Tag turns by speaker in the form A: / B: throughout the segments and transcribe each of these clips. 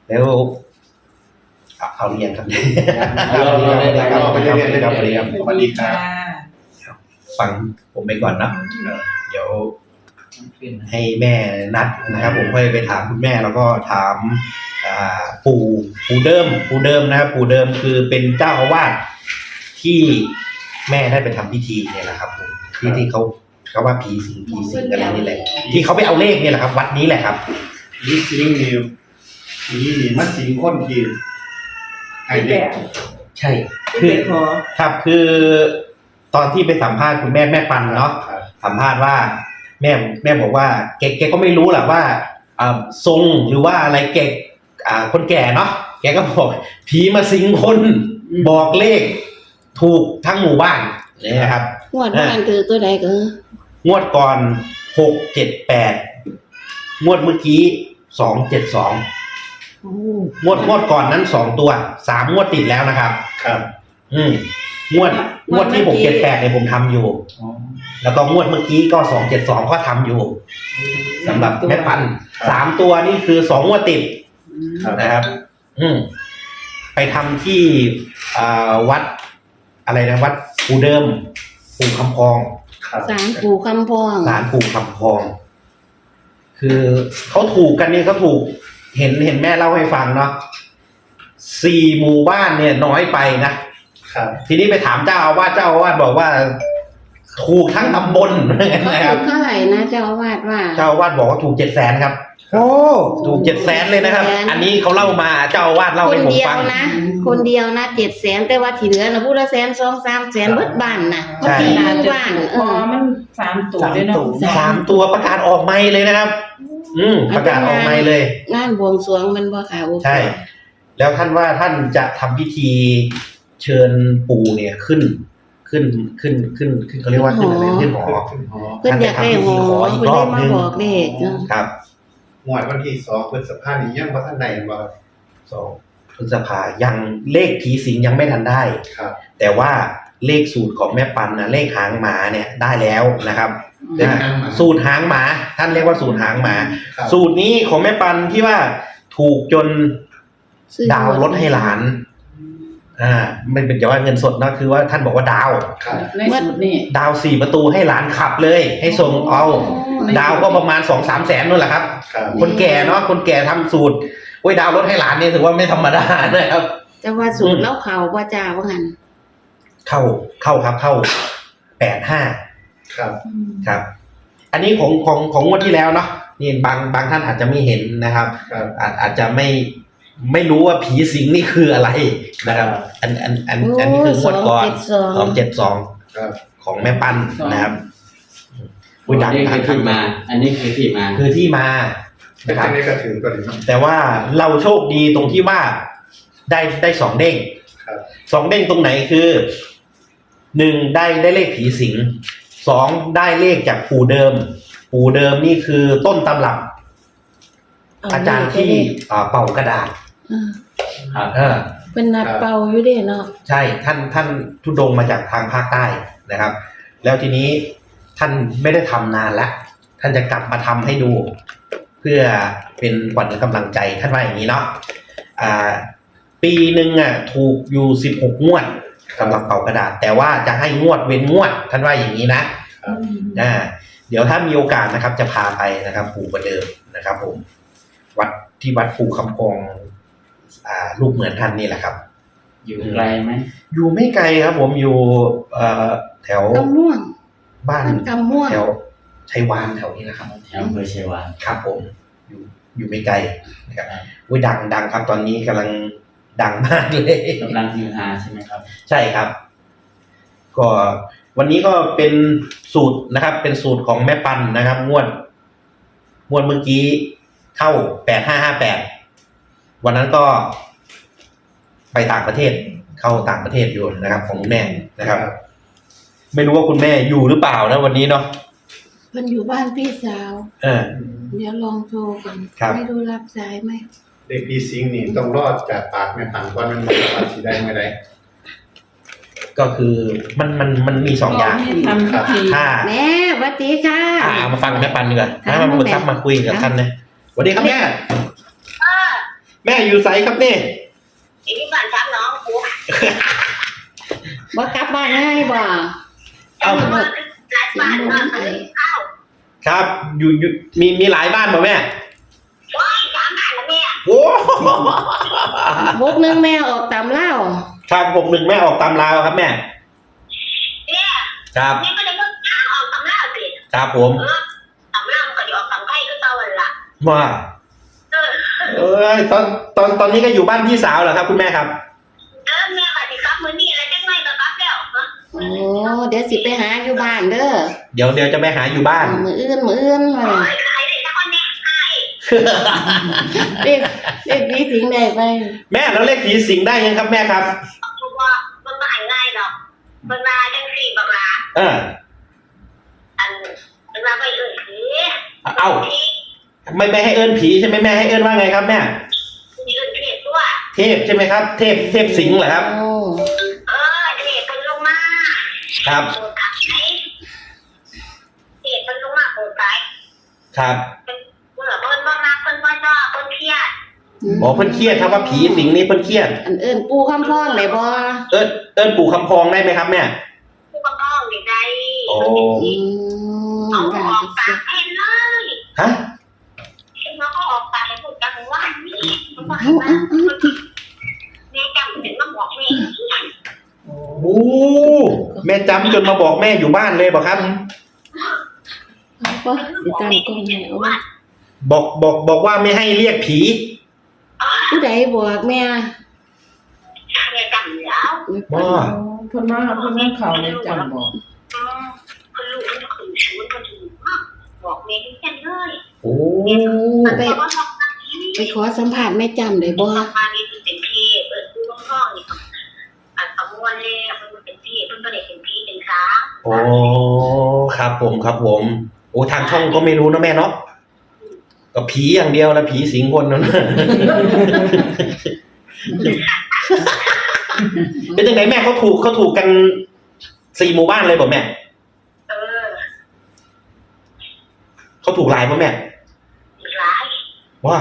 A: แล้วเอาเรียนครับ
B: เราไปเรียนได้ครับสวัสดีครับ
A: ฟังผมไปก่อนนะเดี๋ยวให้แม่นัดนะครับผมค่อยไปถามคุณแม่แล้วก็ถามปู่เดิมนะครับปู่เดิมคือเป็นเจ้าอาวาสที่แม่ได้ไปทำพิธีเนี่ยแหละครับผมที่เขาว่าผีสิงอะไรนี่แหละที่เขาไปเอาเลขเนี่ยแหละครับวัดนี้แหละครับ
B: ผีสิงนี่มันสิงคนที่ไอ้เด็ก
A: ใช่คือครับคือตอนที่ไปสัมภาษณ์คุณแม่ปันเนาะสัมภาษณ์ว่าแม่บอกว่าแกก็ไม่รู้แหละว่าทรงหรือว่าอะไรแกคนแก่เนาะแกก็บอกผีมาสิงคนบอกเลขถูกทั้งหมู่บ้านนี่นะครับ
C: งวดบ้านคือตัวใดก็
A: งวดก่อน678งวดเมื่อกี้272งวดก่อนนั้น2ตัว3งวดติดแล้วนะครับ
B: ครับ
A: งวดที่678เนี่ยผมทำอยู่แล้วก็งวดเมื่อกี้ก็272ก็ทำอยู่สำหรับแม่ปัน3ตัวนี่คือ2งวดติดนะครับไปทำที่วัดอะไรนะวัดปู่เดิมปู่คำพอง
C: ศาลปู่คำพอง
A: ศาลปู่คำพองคือเขาถูกกันนี่เขาถูกเห็นแม่เล่าให้ฟังเนาะ4หมู่บ้านเนี่ยน้อยไปนะครับทีนี้ไปถามเจ้าอาวาสบอกว่าถูกทั้งตำบล
C: นะครับเท่าไหร่นะเจ้าอาวาส
A: บอกว่าถูก700,000ครับโอ้ถูก700,000เลยนะครับอันนี้เขาเล่ามาเจ้าอาวาสเล่าให้ผมฟัง
C: คนเดียวนะ700,000แต่ว่าที่เหลือนะผู้ละ100,000 2-3 แสนเบิดบ้านนะ
A: ใช่
C: บ้าน
D: มัน3ตัวเลยเนาะ
A: 3ตัวประกาศออกไมค์เลยนะครับประกาศออกไมค์เลย
C: งานบวงสรวงมันบ่ค่ะ
A: ใช่แล้วท่านว่าท่านจะทำพิธีเชิญปู่เนี่ยขึ้นเขาเรียกว่าขึ้นอะไรขึ้นหอ
C: เพิ่นอยากได้หออีกรอบนึง
A: ครับ
B: งวดวันที่2พฤษภาคมนี้ยังบ่ทันได้บ่
A: 2พฤษภายังเลขผีสิงยังไม่ทันได้
B: ครับ
A: แต่ว่าเลขสูตรของแม่ปันนะเลขหางหมาเนี่ยได้แล้วนะครับสูตรหางหมาท่านเรียกว่าสูตรหางหมาสูตรนี้ของแม่ปันที่ว่าถูกจนดาวรถให้หลานไม่เป็นจะว่าเงินสดนะคือว่าท่านบอกว่าดาว
D: ในสูตรนี่
A: ดาว4ประตูให้หลานขับเลยให้ส่งเอาดาวก็ประมาณ 2-3 แสนนู่นแหละครับคนแก่เนาะคนแก่ทำสูตรโอ้ยดาวรถให้หลานนี่ถือว่าไม่ธรรมดานะครับ
C: แต่ว่าสูตรแล้วเขาว่าจ้าว่างั้น
A: เข้าครับเข้า85ครับอันนี้ของงวดที่แล้วเนาะนี่บางท่านอาจจะไม่เห็นนะครับอาจจะไม่รู้ว่าผีสิงนี่คืออะไรนะครับอันนี้คืองวดก่อน272ของแม่ปันนะครับ
E: ดังที่มาอันนี้คือที่มา
B: นะครับ
A: แต่ว่าเราโชคดีตรงที่ว่าได้2เด้ง2เด้งตรงไหนคือ1ได้เลขผีสิง2ได้เลขจากปู่เดิมนี่คือต้นตำรับอาจารย์ที่เป่ากระดาษ
C: เป็นนัดเป่าอยู่เด้เนาะ
A: ใช่ท่านทุดงมาจากทางภาคใต้นะครับแล้วทีนี้ท่านไม่ได้ทำนานแล้วท่านจะกลับมาทำให้ดูเพื่อเป็นขวัญกำลังใจท่านว่าอย่างนี้เนาะปีหนึ่งถูกอยู่16งวดสำหรับเป่ากระดาษแต่ว่าจะให้งวดเว้นงวดท่านว่าอย่างนี้นะเดี๋ยวถ้ามีโอกาสนะครับจะพาไปนะครับปู่ประเดิมนะครับผมวัดปู่คำพองลูกเหมือนท่านนี่แหละครับ
E: อยู่ไกลไหม
A: อยู่ไม่ไกลครับผมอยู่แถว
C: กำม่วง
A: บ้านแถวชัยวานแถวนี้นะครับ
E: แถวอำเภอชัยวาน
A: ครับผมอยู่ไม่ไกลนะครับดังครับตอนนี้กำลังดังมากเลย
E: กำลังฮือฮาใช่ไหมครับ
A: ใช่ครับก็วันนี้ก็เป็นสูตรนะครับเป็นสูตรของแม่ปันนะครับงวดเมื่อกี้เข้า8558วันนั้นก็ไปต่างประเทศเข้าต่างประเทศอยู่นะครับของแม่นะครับไม่รู้ว่าคุณแม่อยู่หรือเปล่านะวันนี้เนาะ
C: เพิ่นอยู่บ้านพี่สาวเดี๋ยวลองโทรกันไม่รู้รับสายไหม
B: เด็กผีสิงนี่ต้องรอดจากปากแม่ปันว่ามันว่าสิได้เมื่อใด
A: ก็คือมันมี2อย่าง
C: ถ้าแม่สวัสดีค่ะ
A: มาฟังแม่ปันดีกว่ามาคุยกับท่านนะสวัสดีครับแม่แม่อยู่ไสครับนี่
F: ที่บ้านช้างน้องกู
C: บ่กลับบ้านง่ายบ่
F: เอามาหลายบ้านมาเข้า
A: ครับอยู่มีหลายบ้านป่ะแม่
F: ว้ายสามบ้านแล้วแม่
A: โอ้
C: บกนึงแม่ออกตามเล่า
A: ครับ61แม่ออกตามลาวครับแม่
F: เนี่ย
A: ครับ
F: นี่ก็เลยก็ข้าวออกตำราสิ
A: ครับผม
F: ตำรามันก็จะออกตำไข่ก็เตาวันละ
A: ว่า
F: เออ
A: เอ้ยตอนนี้ก็อยู่บ้านพี่สาวเหรอครับคุณแม่ครับ
F: แม่ก็จะกลับมื้อนี้อะไรจังไงก็กลับแล้ว
C: โอ้เดี๋ยวสิไปหาอยู่บ้านเด้อ
A: เดี๋ยวจะไปหาอยู่บ้าน
C: มื้ออื่นว่า
F: โอ้ยใครได้สักคนเนี่ยใคร
C: เด็กมีสิ่งใดไป
A: แม่แล้วเลขผีสิงได้ยังครับแม่ครับ
F: คือว่ามันก็หายง่ายหรอกมันมาจังสี่บักลา
A: เออ
F: อันมันมาไปอื่นผี
A: เอ้าไม่ให้เอิ้นผีใช่ไหมแม่ให้เอิ้นว่าไงครับแม่
F: มีอื่นเทพด้วย
A: เทพใช่ไหมครับ เทพสิงห์เหรอครับ
C: โอ้
F: เทพเป็นลงมา
A: ครับ
F: โปรดขายเทพเป็นลงมาโปรดขาย
A: ครับ
F: เมื่อเพิ่นบ่มาเพิ่นบ่ชอบเพิ่นเครียด
A: อ๋อเพิ่นเครียดครับว่าผีสิงนี่เพิ่นเครียด
C: อันเอิ้นปู่คำพ้องได้บ่
A: เอิ้นปู่คำพองได้ไหมครับแม่
F: ผู้ปกครองนี่ได้
A: โอ้
F: เอา
C: ได้
F: ออก
C: จัง
F: ปา
C: ซี่
F: กเห็นเลย
A: ฮะ
F: เห็นว่าเขาออกปากให้พูดกันว่านี่มันบ่ให้
C: เอา
F: มา
C: เอาที่
F: แม่จำถึงมาบอกแม่
A: โอ้แม่จำจนมาบอกแม่อยู่บ้านเลยบอกครับ
C: เอาบ่สิตั้งกล้องให้เอาบ่
A: บอกว่าไม่ให้เรียกผี
C: ผู้ใดบอกแม่
F: แม่จำแล้ว
A: ว่า
D: เพิ่นมาเข้าในจำบอก
F: คนลูกมันขึ้นชูนมันถึงบอกแม่ที่แค่เลย
A: โอ้
C: ไป
F: เพราะว่าทำงานนี้
C: ไปขอสัมภาษณ์แม่จำได้บ่
F: ทำงานนี้เป็นพี่ผู้ปกครองนี่อันประมวลเลยมันเป็นพี่เพิ่นก็ได้เป็นพี่เป็นค้า
A: โอ้ครับผมโอ้ทางช่องก็ไม่รู้นะแม่เนาะก็ผีอย่างเดียวแล้วผีสิงคนนั้น เป็นยังไงแม่เขาถูกกัน4 หมู่บ้านเลยบอกแม่
F: เออ
A: เขาถูกหลายป่ะแม่
F: อีกหลาย
A: ว่า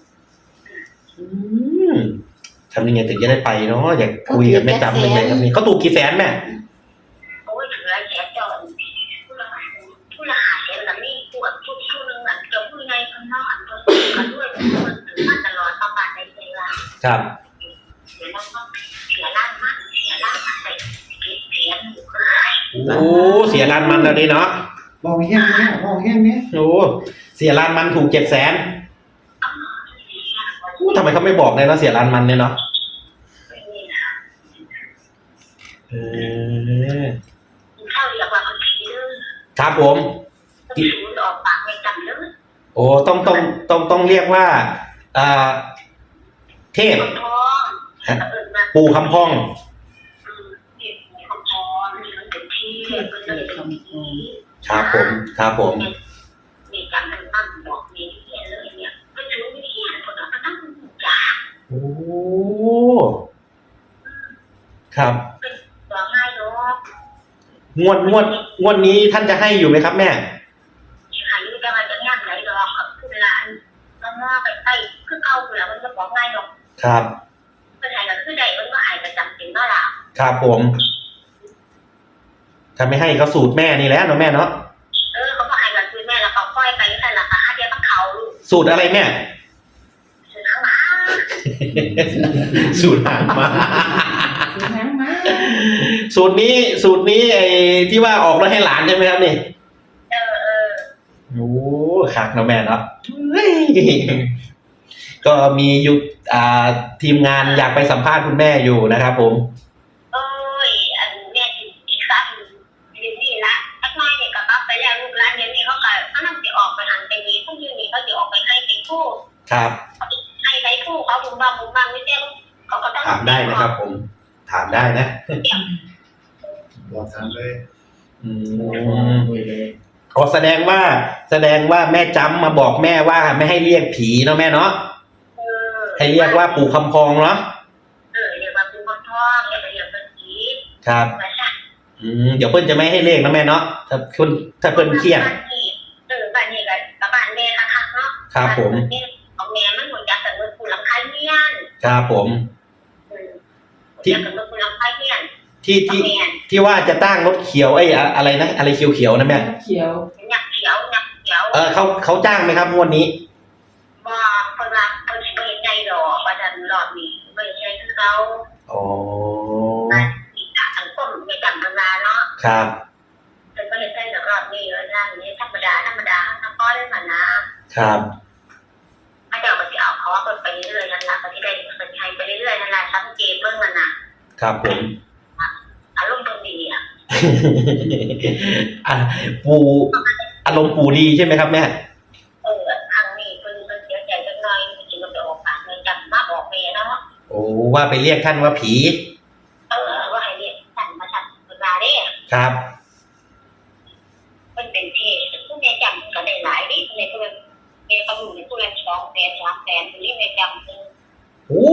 A: ทำยังไงถึงจะได้ไปเนาะอยากคุยกับแม่จำยังไงครับนี่เขาถูกกี่แสนแม่
F: โอ้ยถือแฉจอนผู้ละหาแสนละนี่ปวดทุกนึงอันจะพูดไงข้างนอกอันตัวกันด้วยมันถือมาตลอดประมาณในเวลา
A: ครับ
F: เสียล้านมากเสียล้านมากเลยเสียหนูก็หาย
A: โอ้เสียร้านมันแล้วนี่เนาะ
B: บอกแห้งเนี้ยบอกแห้งเนี้ย
A: โอ้เสียร้านมันถูก700,000ทำไมเขาไม่บอกเลยเนาะเสียร้านมันเนี่ยเนาะ
F: เข้าเรียกว่าบางทีเลย
A: ครับผม
F: ศูนย์ออกปากไม่จำเลย
A: โอ้ต้องเรียกว่าเทพ
F: คำพองมา
A: ปู่คำพอง
F: มีคำพองมันเป็นที่เป็นเลยเป็นที่
A: ครับผม
F: มีการตั้งบอกมีที่เลยเนี่ยก็ถือวิธีคนเราก็ตั้งจ่า
A: โอ้ครับ
F: ตัวง่ายเนาะ
A: งวดนี้ท่านจะให้อยู่ไหมครับแม่
F: หายุจะมาจะงานไหนหรอกกับคุณหลานก็มอไปใต้คือเก่าแล้วมันจะบอกง่ายหรอก
A: ครับ
F: เป็นไงก็คือใดมันก็หายประจำเป็นก็ละ
A: ครับผมถ้าไม่ให้ก็สูตรแม่นี่แหละเนาะแม่เนาะ
F: เขาก็หายกันคือแม่แล้วเขาค่อยไปแต่ละค่ะเดียวต้องเขาลูก
A: สูตรอะไรแม่
F: คือข้างหลัง
A: สูตรหางมา
D: หางมา
A: สูตรนี้ไอ้ที่ว่าออกแล้วให้หลานใช่ไหมครับนี่ โอ้คักเนาะแม่เนาะเฮ้ยก็มีอยู่ทีมงานอยากไปสัมภาษณ์คุณแม่อยู่นะครับผม
F: อันแม่อีกครั้งเดี๋ยวนี้ละทักน้อยเนี่ยก็ปั๊บไปแล้วลูกหลานเดี๋ยวนี้เขาก็เขานั่งจะออกไปหันไปนี้พวกนี้นี่เขาจะออกไปให้ไปคู่
A: ครับ
F: ให้ไปคู่เขาบุ้มบ้างไม่เจ้าเขาก็ต้อง
A: ถามได้นะครับผม ถามได้นะ
B: บอกถามเลย
A: อ๋อแสดงว่าแม่จำมาบอกแม่ว่าไม่ให้เรียกผีเนาะแม่เนาะให้เรียกว่าปู่คำพองเนาะ
F: เรียกว่าปู่คำพองเรียกเป็นผี
A: ครับ เดี๋ยวเพิ่นจะไม่ให้เลขนะแม่เนาะถ้าเพิ่นเครียด
F: บ้านนี้กับบ้านแม่ค่ะเนาะ
A: ครับผม
F: ของแม่มันหมดจากแต่เมื่อปู่หลังคาเนี่ย
A: ครับผม
F: ที่กับคุณลำไส้เพี้ยน
A: ที่ว่าจะตั้งรถเขียวอะไรนะอะไรเขียวๆนะแม่
D: เขียว
F: หยักเขียวหยักเขียว
A: เขาจ้างไหมครับงวดนี้
F: ว่าคนละคนไม่เห็นใจหรอกว่าจะหลอดมีไม่ใช่คือเขา
A: อ๋อ
F: สังคมในจำธรรมดาเนาะ
A: ครับ
F: เป็นไม่เห็นใจหรอกมีแล้วนั่นนี่ธรรมดาทั้งก้อนเลยมันนะครับ ถ้าเดี๋ยวมันจะเอาเขาว่าคนไปเรื่อยๆนั่นแหละที่ได้เป็นใช้ไปเรื่อยๆนั่นแหละสังเกตเบื้องมันนะครับ
A: ผม
F: อารมณ์ตรงดีอ่ะ
A: ปูอารมณ์ปูดีใช่ไหมครับแม่
F: ทางนี้คนเสียใจจังหน่อยจริงๆมันไปออกปากเลยจำมาบอกเมียเนาะ
A: โอ้ว่าไปเรียกท่านว่าผี
F: ว่าให้เรียกสั่งมาสั่งเวลาได้
A: ครับ
F: มันเป็นเทศผู้ในจำก็ได้หลายนิดในตัวเมียเขาอยู่ในตัว200,000 300,000อยู่ในจำ
A: โอ้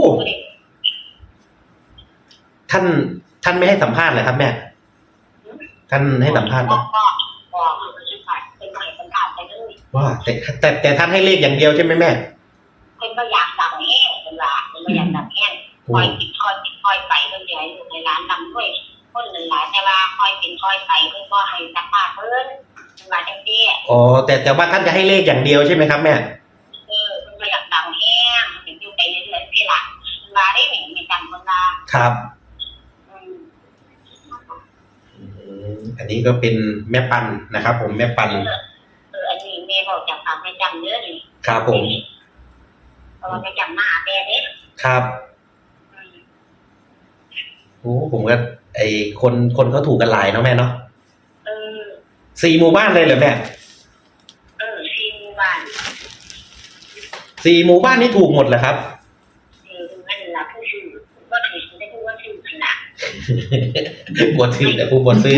A: ท่านไม่ให้สัมภาษณ์เลยครับแม่ท่านให้สัมภาษณ์ปะ
F: บอกมันชื่อผ่านเป็นใหม่สัมภาษณ์ไปเลย
A: ว่าแต่ท่านให้เลขอย่างเดียวใช่ไหมแม่
F: เป็นไม่อยากดังแห้งเป็นว่าเป็นไม่อยากดังแห้งคอยปิดคอยไปเพื่อจะให้อยู่ในร้านดังด้วยคนหนึ่งหลายแต่ว่าคอยปิดคอยไปเพื่อก็ให้สัมภาษณ์เพื่อนเป็นว่าจังซี่
A: อ๋อแต่ว่าท่านจะให้เลขอย่างเดียวใช่ไหมครับแม่
F: เป็นไม่อยากดังแห้งเป็นอยู่ไปเรื่อยๆที่หลังมาได้หนึ่งมีจำคนละ
A: ครับอันนี้ก็เป็นแม่ปันนะครับผมแม่ปัน
F: อันนี้แม่บอกจากความไม่จำเยอะเลย
A: ครับผม
F: เพราะว่าไม่จำหน้าแม่เด็ก
A: ครับโอ้ผมก็คนเขาถูกกันหลายเนาะแม่เนาะ 4 หมู่บ้านเลยเหรอแม่
F: ซีนบ้าน
A: 4 หมู่บ้านนี่ถูกหมดเหรอครับ
F: นั่นแหละผู้ชื่อก็ถือได้ผู้ว่าชื่อขนาด
A: บวชซื้อแต่ผู้บวชซื้อ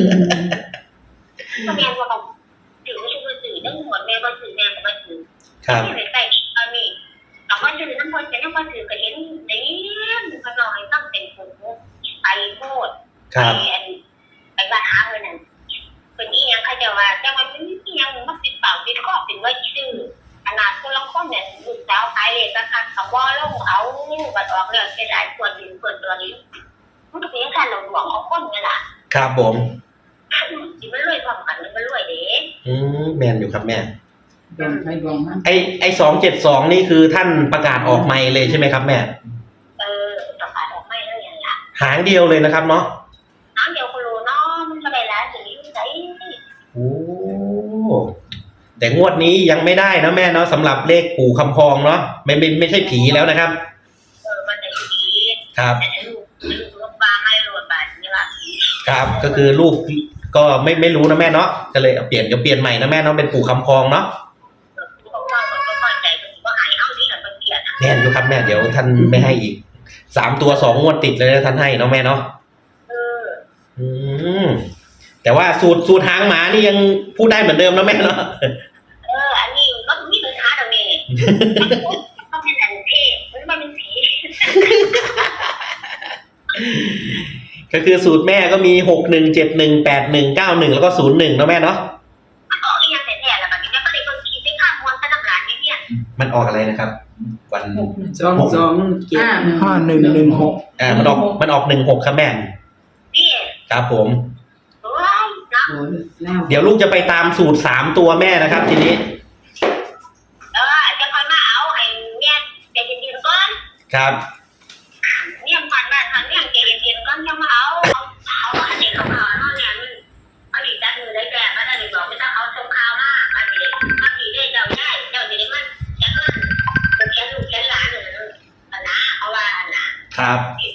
F: ก็แม่ว่าเขาถือว่าชื่อสื่อทั้งหมดแม่ก็ถือแม่ก็มาถือ
A: ครับ
F: ที่ใส่ตอนนี้แต่ว่าถือทั้งหมดจะนั่งมาถือก็เห็นเนี่ยมันลอยตั้งเป็นผูไปโคตร
A: ครับ
F: ไปบ้านหาเงินนั่นเป็นอีหยังใครจะว่าแต่มันเป็นอีหยังมันติดเปล่าติดข้อติดไว้ชื่อขนาดคนละคนเนี่ยลูกสาวขายเลยก็คันคำว่าลงเอาบัดออกเรื่องเสียดายควรดินควรตัวนี้มันก็เป็นการหลงหลวงของคนนี่แหละ
A: ครับผม
F: ที่มันรวยพร้อมกันมันรวยเด้
A: แมนอยู่ครับแม่
D: ดวงใครดวงมัน
A: ไอ้272นี่คือท่านประกาศออกไมค์เลยใช่ไหมครับแม่
F: ประกาศออกไม่แล้วอย่างละ
A: หางเดียวเลยนะครับเนาะ
F: น้ำเดียวคนรู้เนาะมันก็ได้แล้วถึงยุ่งใจ
A: โอ้แต่งวดนี้ยังไม่ได้นะแม่เนาะสำหรับเลขปู่คำพองเนาะไม่ใช่ผีแล้วนะครับ
F: มันจะดี
A: ครับ
F: แต่ลูกลูกปลาไม่รวดบาทนี่ละ
A: ครับก็คือลูกก็ไม่รู้นะแม่เนาะก็เลยเปลี่ยนใหม่นะแม่เนาะเป็นปู่คำพองเนาะ
F: ลูกฟังคนก็เข้าใจคนก็หายเอาดีกับเกียรติ
A: แน่นอยู่ครับแม่เดี๋ยวท่านไม่ให้อีก3 ตัว 2 งวดติดเลยนะท่านให้เนาะแม่เนาะแต่ว่าสูตรหางหมานี่ยังพูดได้เหมือนเดิมนะแม่เนาะ
F: อันนี้ก็มีปัญหาตรงนี้ก็เป็นอันเทพมันเป็นผี
A: ก็คือสูตรแม่ก็มี61718191แล้วก็01แล้วแม่เนาะ
F: มันออกยังแต่แล้วแบบนี้ก็เลยคนคิดได้ข้ามวนกระดำร้านเนี่ย
A: มันออกอะไรนะครับ วัน
D: 2275116
A: มันออก16ครับแม่
F: นี่
A: ครับผม
F: ว้าวนะ
D: โอ้ยแล้ว
A: เดี๋ยวลูกจะไปตามสูตร3 ตัวแม่นะครับทีนี้
F: จะคอยมาเอาให้เนี่ยใจเย็นๆก่อน
A: ครับ
F: เนี่ยผ่านบ้านทางเนี่ยใจเย็นๆก่อนจะมาเอาอันนี้เขาเอาเนาะเนี่ยมันอันนี้จัดมือได้แก่มาได้บอกไม่ต้องเอาชงข้าวมาอันนี้ได้เจ้าได้เจ้านี้มันจะก็เป็นแค่ลูกแค่หลานนะเอาว่านะครับที่